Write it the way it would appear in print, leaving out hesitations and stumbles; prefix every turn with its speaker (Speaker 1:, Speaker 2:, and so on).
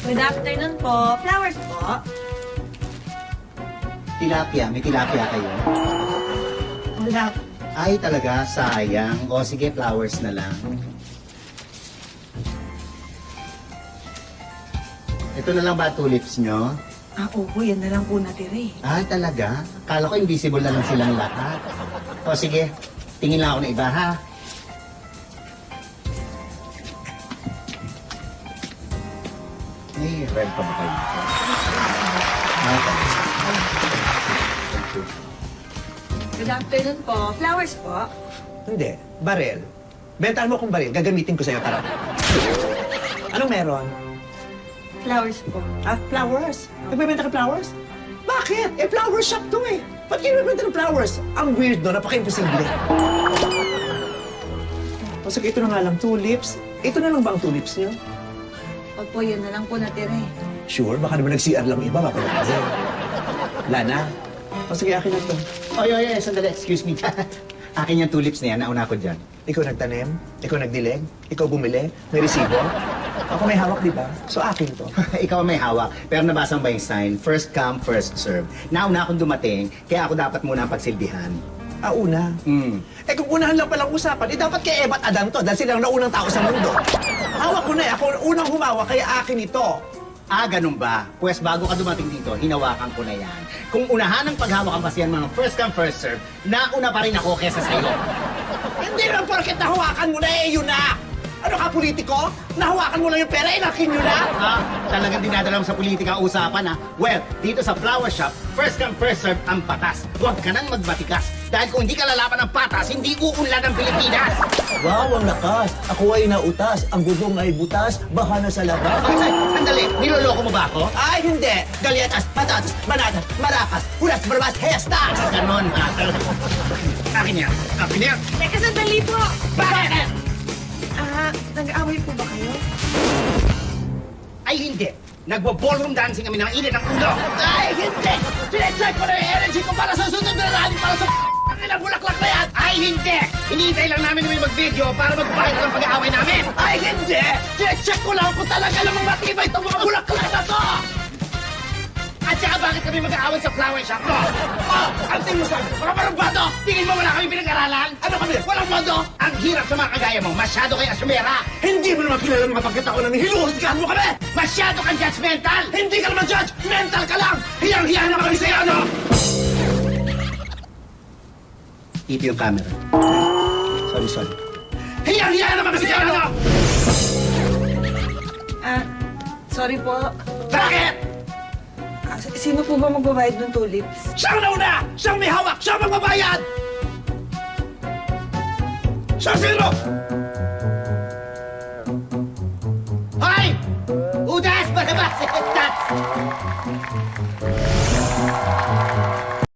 Speaker 1: Good afternoon po. Flowers po.
Speaker 2: Tilapia, may tilapia kayo?
Speaker 1: Wala.
Speaker 2: Ay, talaga, sayang. O sige, flowers na lang. Ito na lang ba tulips nyo?
Speaker 1: Opo, yan na lang po natira eh.
Speaker 2: Ah, talaga? Kala ko invisible na lang silang lahat. O sige, tingin lang ako na iba ha. May red pa ba kayo dito? Okay.
Speaker 1: Good afternoon po. Flowers po.
Speaker 3: Hindi. Barel. Bentahan mo akong baril. Gagamitin ko sa'yo. Tara. Anong meron?
Speaker 1: Flowers po.
Speaker 3: Ah, flowers? Nagbebenta ka flowers? Bakit? Eh, flower shop to eh. Ba't kayo nagbebenta ng flowers? Ang weird no, napaka-imposible. O sige, ito na nga lang, tulips. Ito na lang ba ang tulips niyo?
Speaker 1: Opo, yan na lang po natira eh.
Speaker 3: Sure, baka naman nag-CR lang iba, mapalagay. Wala na. O sige, akin na to.
Speaker 2: Oy, oy, oy, sandali. Excuse me. Akin yung tulips na yan. Nauna ko dyan.
Speaker 3: Ikaw nagtanim, ikaw nagdileg, ikaw bumili, may resibo. Ako may hawak, di ba? So akin to.
Speaker 2: Ikaw ang may hawak. Pero nabasa mo ba yung sign? First come, first serve. Nauna akong dumating, kaya ako dapat muna ang pagsilbihan.
Speaker 3: Ah, una. Eh kung unahan lang palang usapan, eh dapat kay Eva at Adan to dahil sila ang naunang tao sa mundo. Hawak ko na eh. Ako ang unang humawak, kaya akin ito.
Speaker 2: Ah, ganun ba? Pwes bago ka dumating dito, hinawakan ko na yan. Kung unahan ng paghawakan kasi yan mga first come, first serve, nauna pa rin ako kesa sa'yo.
Speaker 3: Hindi lang porket nahawakan mo na eh, yun na! Ano ka, politiko? Nahawakan mo lang yung pera, inakin nyo na?
Speaker 2: Ah, talagang dinadala mo sa politika ang usapan, ha? Well, dito sa flower shop, first come, first serve ang patas. Huwag ka nang magbatikas. Dahil kung hindi ka lalaban ng patas, hindi uunlad ang Pilipinas.
Speaker 3: Wow, ang lakas! Ako ay nautas, ang gudong ay butas, baha na sa labas.
Speaker 2: Ay, sandali, niloloko mo ba ako?
Speaker 3: Ay, hindi! Galyetas, patatas, banatas, marakas, hulas, barbas, hestas!
Speaker 2: Ganon, ha? Akin yan. Akin yan.
Speaker 1: Teka, sandali po.
Speaker 2: Bakit?
Speaker 1: Nag-aaway po ba kayo?
Speaker 2: Ay, hindi. Nagbo-ballroom dancing kami ng init ng ulo. Ay, hindi! Sinecheck ko na yung energy ko para sa sunod na rally para sa ilang bulaklak na yan! Ay, hindi! Hinihintay lang namin may mag-video para magpahit ng pag-aaway namin!
Speaker 3: Ay, hindi! Sinecheck ko lang kung talaga namang matibay itong mga bulaklak na to!
Speaker 2: At saka bakit kami mag-aaway sa flower shop mo? Oh, ang tingin mo sa mga barubado! Tingin mo wala kami pinag-aralan?
Speaker 3: Ano kami?
Speaker 2: Walang modo! Ang hirap sa mga kagaya mo, masyado kay asumera!
Speaker 3: Hindi mo naman kilala mga pagkatao na hinuhusgahan mo kami!
Speaker 2: Masyado kang judgmental!
Speaker 3: Hindi ka naman judge! Mental ka lang! Hiyang-hiya na kami sa'yo, ano?
Speaker 2: Keep yung camera.
Speaker 3: Sorry. Hiyang-hiya na kami sa'yo, ano?
Speaker 1: Sorry po.
Speaker 3: Bakit?
Speaker 1: Sino po ba magbabayad ng tulips?
Speaker 3: Siyang nauna! Siyang may hawak! Siyang magbabayad! Siya sino?
Speaker 2: Hoy! Udas! Barabas! That's...